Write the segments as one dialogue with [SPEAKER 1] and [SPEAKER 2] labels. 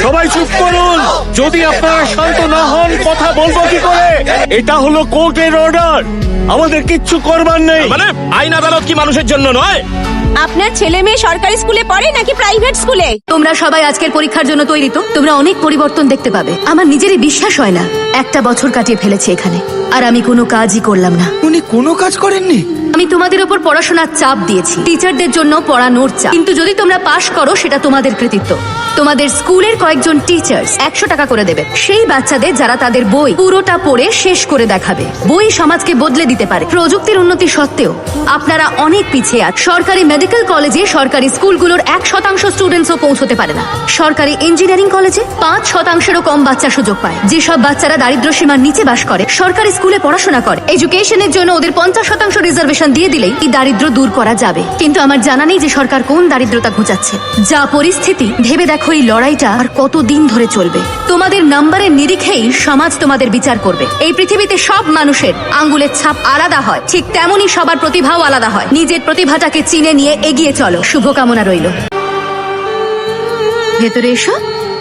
[SPEAKER 1] সবাই চুপ করুন। যদি আপনারা শান্ত না হন কথা বলবো কি করে? এটা হলো কোর্টের অর্ডার, আমাদের কিচ্ছু করবার নেই।
[SPEAKER 2] মানে আইন আদালত কি মানুষের জন্য নয়?
[SPEAKER 3] আপনার ছেলে মেয়ে সরকারি স্কুলে পড়ে নাকি প্রাইভেট স্কুলে?
[SPEAKER 4] তোমরা সবাই আজকের পরীক্ষার জন্য তৈরি তো? তোমরা অনেক পরিবর্তন দেখতে পাবে। আমার নিজেরই বিশ্বাস হয় না, একটা বছর কাটিয়ে ফেলেছে এখানে, আর আমি কোনো কাজই করলাম না।
[SPEAKER 5] উনি কোনো কাজ করেননি?
[SPEAKER 4] আমি তোমাদের উপর পড়াশোনার চাপ দিয়েছি, টিচারদের জন্য পড়ানোর চাপ, কিন্তু যদি তোমরা পাশ করো সেটা তোমাদের কৃতিত্ব। তোমাদের স্কুলের কয়েকজন টিচার্স 100 টাকা করে দেবে সেই বাচ্চাদের যারা তাদের বই পুরোটা পড়ে শেষ করে দেখাবে। বই সমাজকে বদলে দিতে পারে। প্রযুক্তির উন্নতি সত্ত্বেও আপনারা অনেক পিছিয়ে আছেন। সরকারি মেডিকেল কলেজে সরকারি স্কুলগুলোর 1% স্টুডেন্টসও পৌঁছতে পারে না। সরকারি ইঞ্জিনিয়ারিং কলেজে 5%-এরও কম বাচ্চা সুযোগ পায়। যেসব বাচ্চারা দারিদ্র সীমার নিচে বাস করে সরকারি স্কুলে পড়াশোনা করে, এডুকেশনের জন্য ওদের 50% রিজার্ভেশন দিয়ে দিলেই এই দারিদ্র দূর করা যাবে। কিন্তু আমার জানা নেই যে সরকার কোন দারিদ্রতা ঘুচাচ্ছে। যা পরিস্থিতি, ভেবে দেখো এই লড়াইটা আর কতদিন ধরে চলবে। তোমাদের নাম্বারের নিরিখেই সমাজ তোমাদের বিচার করবে। এই পৃথিবীতে সব মানুষের আঙ্গুলের ছাপ আলাদা হয়, ঠিক তেমনই সবার প্রতিভাও আলাদা হয়। নিজের প্রতিভাটাকে চিনে নিয়ে এগিয়ে চলো। শুভকামনা রইল। ভেতরে এসো।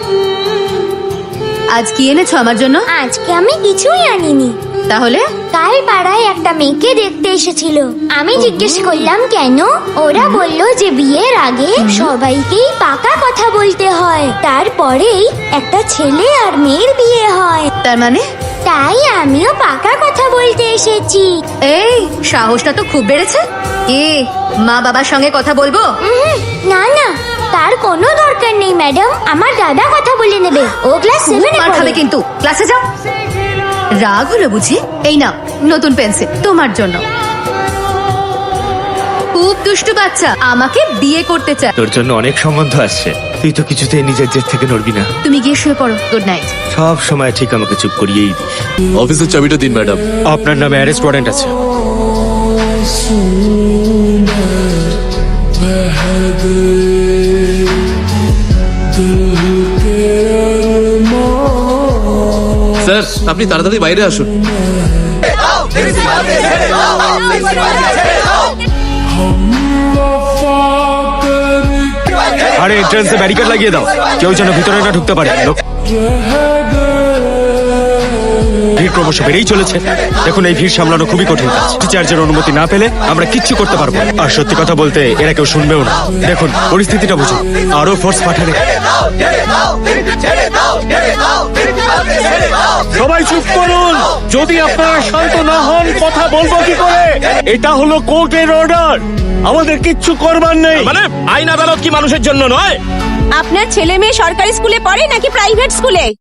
[SPEAKER 4] আজ কি এনেছো আমার জন্য?
[SPEAKER 6] আজকে আমি কিছুই আনিনি।
[SPEAKER 4] তাহলে
[SPEAKER 6] কাল পাড়ায় একটা মেয়েকে দেখতে এসেছিল। আমি জিজ্ঞেস করলাম কেন? ওরা বলল যে বিয়ের আগে সবাইকেই পাকা কথা বলতে হয়, তারপরেই একটা ছেলে আর মেয়ের বিয়ে হয়।
[SPEAKER 4] তার মানে
[SPEAKER 6] তাই আমিও পাকা কথা বলতে এসেছি।
[SPEAKER 4] এই সাহসটা তো খুব বেড়েছে। মা বাবার সঙ্গে কথা বলবো?
[SPEAKER 6] না না, তার কোনো দরকার নেই ম্যাডাম, আমার দাদা কথা বলে নেবে। ও ক্লাস 7
[SPEAKER 4] মার খাবে কিন্তু। ক্লাসে যাও। রাগ হলো বুঝি? এই নাও নতুন পেন্সিল তোমার জন্য। খুব দুষ্টু বাচ্চা, আমাকে বিয়ে করতে চায়।
[SPEAKER 1] তোর জন্য অনেক সম্বন্ধ আসছে, তুই তো কিছুতেই নিজের জেদ থেকে নড়বি না।
[SPEAKER 4] তুমি গিয়ে শুয়ে পড়ো। Good night.
[SPEAKER 1] সব সময় ঠিক আমাকে চুপ করিয়েই দিস।
[SPEAKER 2] অফিসের চাবিটা দিন ম্যাডাম।
[SPEAKER 1] আপনার নামে অ্যারেস্ট ওয়ারেন্ট আছে।
[SPEAKER 2] স্যার আপনি তাড়াতাড়ি বাইরে আসুন।
[SPEAKER 1] আরে এন্ট্রান্সে ব্যারিকেড লাগিয়ে দাও, কেউ যেন ভিতরে না ঢুকতে পারে। ভিড় ক্রমশ বেড়েই চলেছে। দেখুন এই ভিড় সামলানো খুবই কঠিন কাজ। টিচার্জের অনুমতি না পেলে আমরা কিচ্ছু করতে পারবো না। আর সত্যি কথা বলতে এরা কেউ শুনবেও না। দেখুন পরিস্থিতিটা বুঝুন, আরো ফোর্স পাঠালে। সবাই চুপ করুন। যদি আপনারা শান্ত না হন কথা বলবো কি করে? এটা হলো কোর্টের অর্ডার, আমাদের কিচ্ছু করবার নেই।
[SPEAKER 2] মানে আইন আদালত কি মানুষের জন্য নয়?
[SPEAKER 3] আপনার ছেলে মেয়ে সরকারি স্কুলে পড়ে নাকি প্রাইভেট স্কুলে?